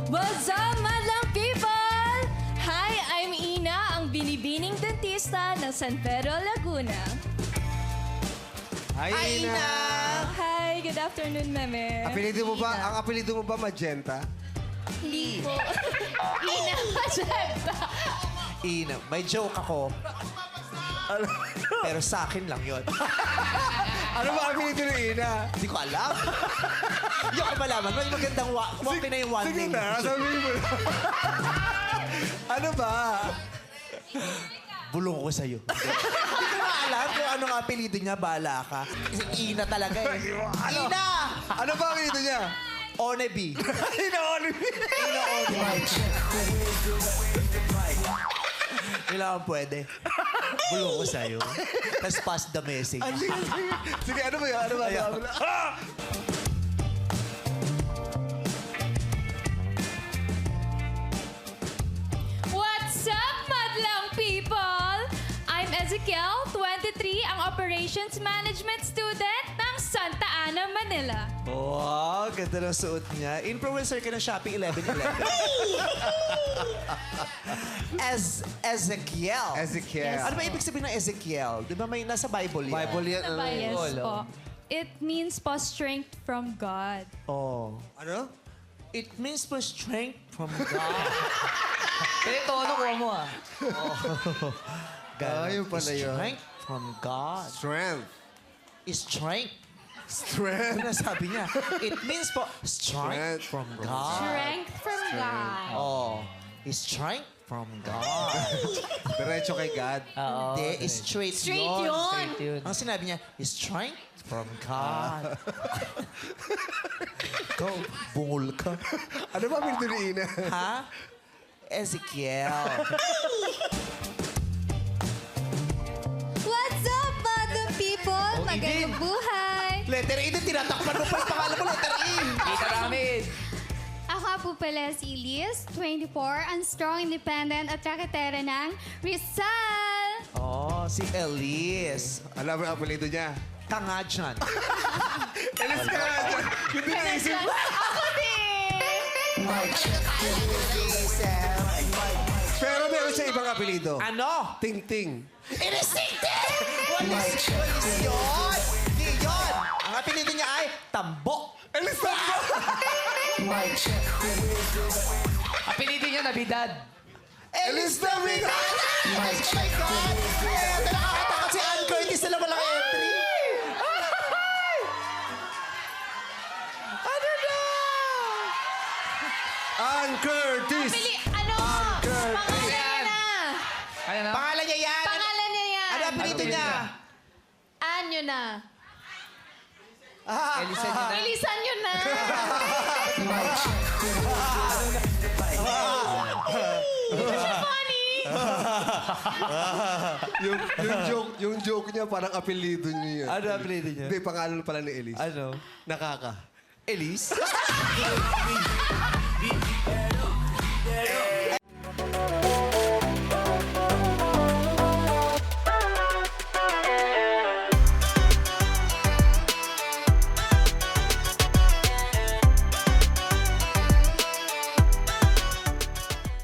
What's up, madlang people? Hi, I'm Ina, ang binibining dentista ng San Pedro, Laguna. Hi, Ina! Hi, good afternoon, meme. Ang apelido mo ba Magenta? Hindi po. Ina Magenta. Ina, may joke ako. Pero sa akin lang yun. Ano ba apelido ni Ina? Hindi ko alam. Hindi ko malaman. Mas magandang walk-in na yung one Sige name. na, sabihin mo. Ano ba? Bulong ko sa'yo. Hindi ko alam kung anong apelido niya. Bahala ka. Kasi Ina talaga eh. Ina! Ano ba apelido niya? Onebi. Ina Olive. Ina Onebi. Kailangan pwede. Bulong ko sa'yo. Tapos pass the message. Sige, ano ba yun? Ano ba? Ayaw. Ano ba? What's up, madlang people? I'm Ezekiel, 23, ang Operations Management Student ng Santa Ana, Manila. Wow, ganda ng suot niya. Influencer ka ng Shopee 1111. Ezekiel. Ezekiel. Ano ba ibig sabihin ng Ezekiel? Di ba may nasa Bible yan? Bible yan. Ano ba, yes po? It means po strength from God. Oh. Ano? It means for strength from God. Pero tono ko mo ah. Yun pala yun. Strength from God. Strength. Strength. Strength. Ano sabi niya? It means po strength from God. Strength from God. Oh. Strength from God. Diretso kay God. Oo. Hindi, straight, Straight yun. yun. Straight yun. Ang sinabi niya, strength from God. Ikaw, bungol ka. Ano ba apelido ni Ina? Ha? Ezekiel. What's up, madlang people? Magandang buhay. Letter E, tinatakpan mo pa yung pangalan mo, letter E. Kita namin. Ako po pala si Liz, 24, ang strong, independent at raketera ng Rizal. Oh, si Elise. Alam mo ang apelido niya? Tanga dyan. Elis ka na dyan. Hindi naisip. Ako din! Pero meron siya ibang apelido. Ano? Ting-ting. Inisinte! Walis yun! Hindi yun! Ang apelido niya ay Tambo. Elis na ba? Apelido niya Nabidad. Elis na Navidad! Oh my God! Ito nakakatakot si Ann Curtis na walang entry. Ano na? Ann Curtis. Ano? Pangalan niya na. Ano na? Pangalan niya yan. Pangalan niya yan. Ano apelido niya? Anyo na. Elisan niya na. Bilisan nyo na. Funny. yung joke niya parang apelido niya. Ano apelido niya? Hindi, pangalan pala ni Elise. Ano? Nakaka. Elise?